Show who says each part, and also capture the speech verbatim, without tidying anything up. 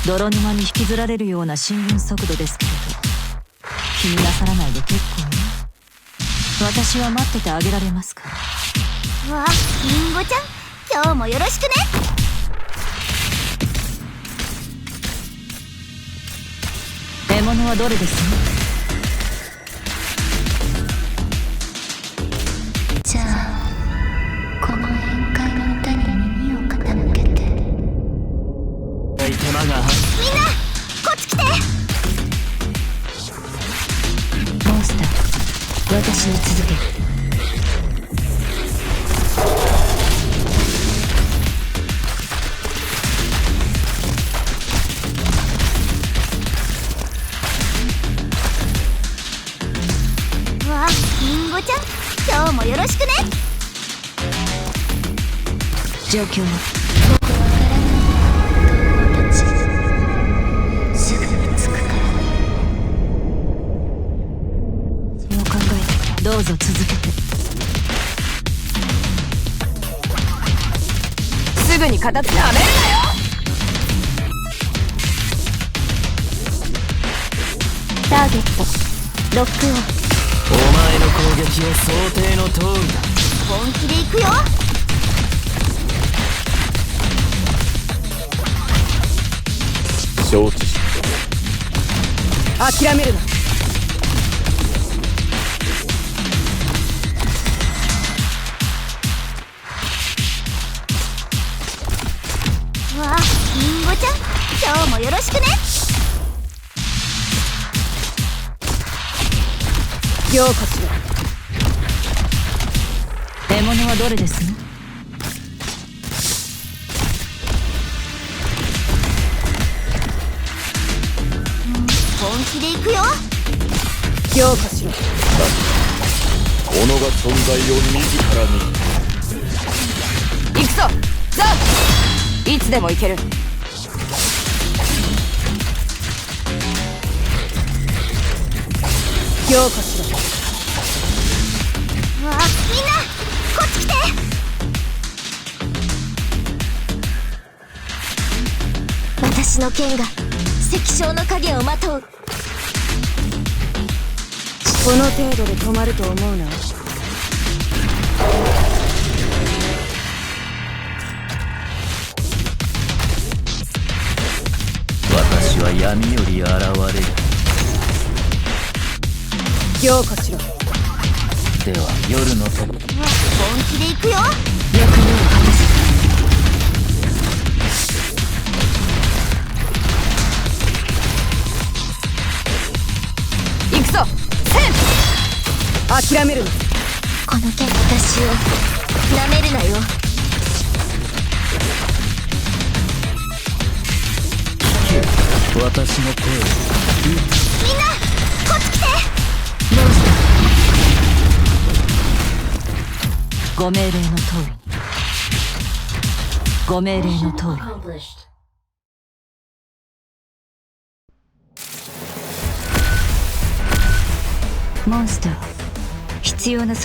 Speaker 1: 泥沼に引きずられるような進軍速度ですけれど、気になさらないで結構ね。私は待っててあげられますから。
Speaker 2: わあ、リンゴちゃん、今日もよろしくね。
Speaker 1: 獲物はどれですね。
Speaker 2: じゃあこの宴会の歌に耳を傾けて。
Speaker 3: 手間が。みんな
Speaker 2: こっち来て。
Speaker 1: モンスター、私に続け。
Speaker 2: わあ、リンゴちゃん、今日もよろしくね。
Speaker 1: 状況は
Speaker 2: 僕はからない。友達すぐに着くから。
Speaker 1: そう考えてどうぞ続けて。
Speaker 4: すぐに片付けはめるなよ。
Speaker 2: ターゲットロックオン。
Speaker 3: お前の攻撃は想定の通りだ。
Speaker 2: 本気で行くよ。
Speaker 3: 承知し
Speaker 4: 諦めるな。
Speaker 2: わあ、リンゴちゃん、今日もよろしくね。
Speaker 4: ようこそ。
Speaker 1: 獲物はどれですね。
Speaker 2: 本気で行くよ。
Speaker 4: ようこしろ。
Speaker 3: 己が存在を自らに。
Speaker 4: 行くぞザー。いつでも行ける。ようこしろ。
Speaker 2: わあ、みんなこっち来て。私の剣が石章の影をまとう。
Speaker 4: この程度で止まると思うな。
Speaker 3: 私は闇より現れる。
Speaker 4: ようこしろ。
Speaker 3: では夜のと。
Speaker 2: 本気で行くよ。
Speaker 1: 役目を果たせ。
Speaker 4: 行くぞセン。諦めるな。
Speaker 2: この剣私を舐めるなよ。
Speaker 3: 私の声を。
Speaker 2: みんなこっち来て。
Speaker 1: モンスター、ご命令の通りに。ご命令の通りに。モンスター、必要な